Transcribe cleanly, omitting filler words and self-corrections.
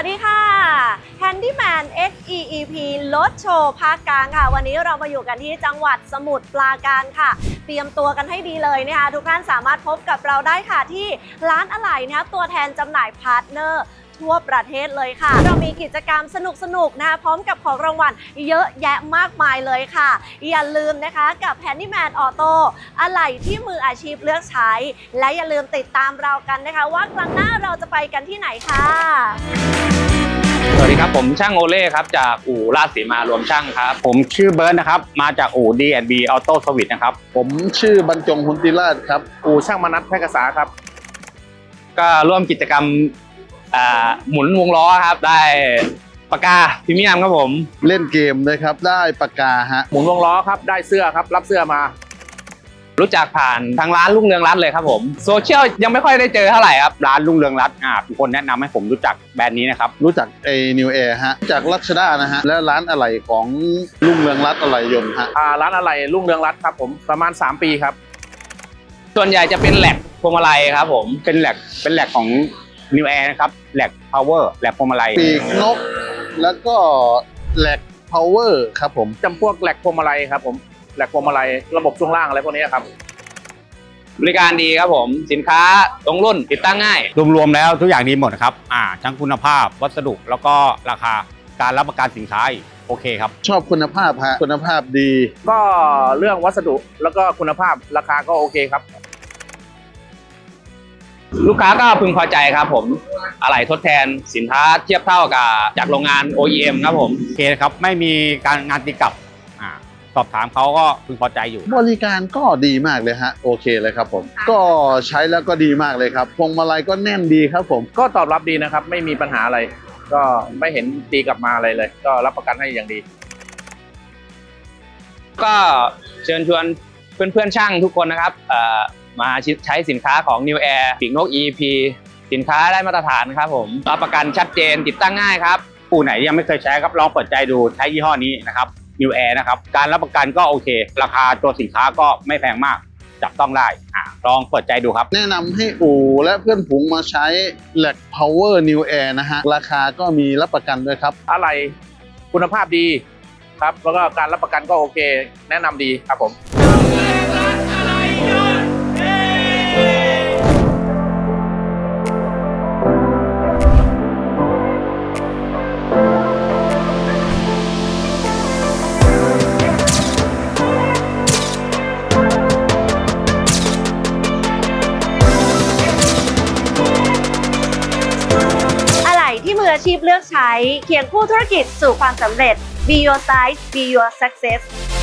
วัสดีค่ะ Handyman XEEP รถโชว์ภาคกลางค่ะวันนี้เรามาอยู่กันที่จังหวัดสมุทรปราการค่ะเตรียมตัวกันให้ดีเลยนะคะทุกท่านสามารถพบกับเราได้ค่ะที่ร้านอะไหล่นะคะตัวแทนจำหน่ายพาร์ทเนอร์ทั่วประเทศเลยค่ะเรามีกิจกรรมสนุกๆนะคะพร้อมกับของรางวัลเยอะแยะมากมายเลยค่ะอย่าลืมนะคะกับ Handyman Auto อะไหล่ที่มืออาชีพเลือกใช้และอย่าลืมติดตามเรากันนะคะว่าครั้งหน้าเราจะไปกันที่ไหนค่ะสวัสดีครับผมช่างโอเล่ครับจากอู่ราชสีมารวมช่างครับผมชื่อเบิร์ดนะครับมาจากอู่ D&B Auto Service นะครับผมชื่อบรรจงหุนติราชครับอู่ช่างมนัสแพร่กษาครับก็ร่วมกิจกรรมหมุนวงล้อครับได้ปากกาพรีเมียมครับผมเล่นเกมนะครับได้ปากกาฮะหมุนวงล้อครับได้เสื้อครับรับเสื้อมารู้จักผ่านทางร้านรุ่งเรืองรัตน์เลยครับผมโซเชียลยังไม่ค่อยได้เจอเท่าไหร่ครับร้านรุ่งเรืองรัตน์เป็นคนแนะนำให้ผมรู้จักแบรนด์นี้นะครับรู้จักNew Air ฮะจากรัชดานะฮะและร้านอะไหล่ของรุ่งเรืองรัตน์อะไหล่ยนต์ฮะร้านอะไหล่รุ่งเรืองรัตน์ครับผมประมาณ3 ปีครับส่วนใหญ่จะเป็นแหลกพวงมาลัยครับผมเป็นแหลกของNew Air นะครับแหลก Power แหลกพวงมาลัยปีกนกแล้วก็แหลก Power ครับผมจำพวกแหลกพวงมาลัยครับผมแหลกพวงมาลัยระบบช่วงล่างอะไรพวกนี้ครับบริการดีครับผมสินค้าตรงรุ่นติดตั้งง่ายรวมๆแล้วทุกอย่างดีหมดครับทั้งคุณภาพวัสดุแล้วก็ราคาการรับประกันสินค้าโอเคครับชอบคุณภาพฮะคุณภาพดีก็เรื่องวัสดุแล้วก็คุณภาพราคาก็โอเคครับลูกค้าก็พึงพอใจครับผมอะไหล่ทดแทนสินค้าเทียบเท่ากับจากโรงงาน OEM ครับผมโอเคครับไม่มีการงานตีกลับสอบถามเขาก็พึงพอใจอยู่บริการก็ดีมากเลยฮะโอเคเลยครับผมก็ใช้แล้วก็ดีมากเลยครับพวงมาลัยก็แน่นดีครับผมก็ตอบรับดีนะครับไม่มีปัญหาอะไรก็ไม่เห็นตีกลับมาอะไรเลยก็รับประกันให้อย่างดีก็เชิญชวนเพื่อนๆช่างทุกคนนะครับมาใช้สินค้าของ New Air ปีกนก EEP สินค้าได้มาตรฐานครับผมรับประกันชัดเจนติดตั้งง่ายครับอู่ไหนยังไม่เคยใช้ครับลองเปิดใจดูใช้ยี่ห้อนี้นะครับ New Air นะครับการรับประกันก็โอเคราคาตัวสินค้าก็ไม่แพงมากจับต้องได้ลองเปิดใจดูครับแนะนำให้อู่และเพื่อนฝูงมาใช้แหลก Power New Air นะฮะราคาก็มีรับประกันด้วยครับอะไรคุณภาพดีครับแล้วก็การรับประกันก็โอเคแนะนำดีครับผมที่มืออาชีพเลือกใช้เคียงคู่ธุรกิจสู่ความสำเร็จ Be Your Size Be Your Success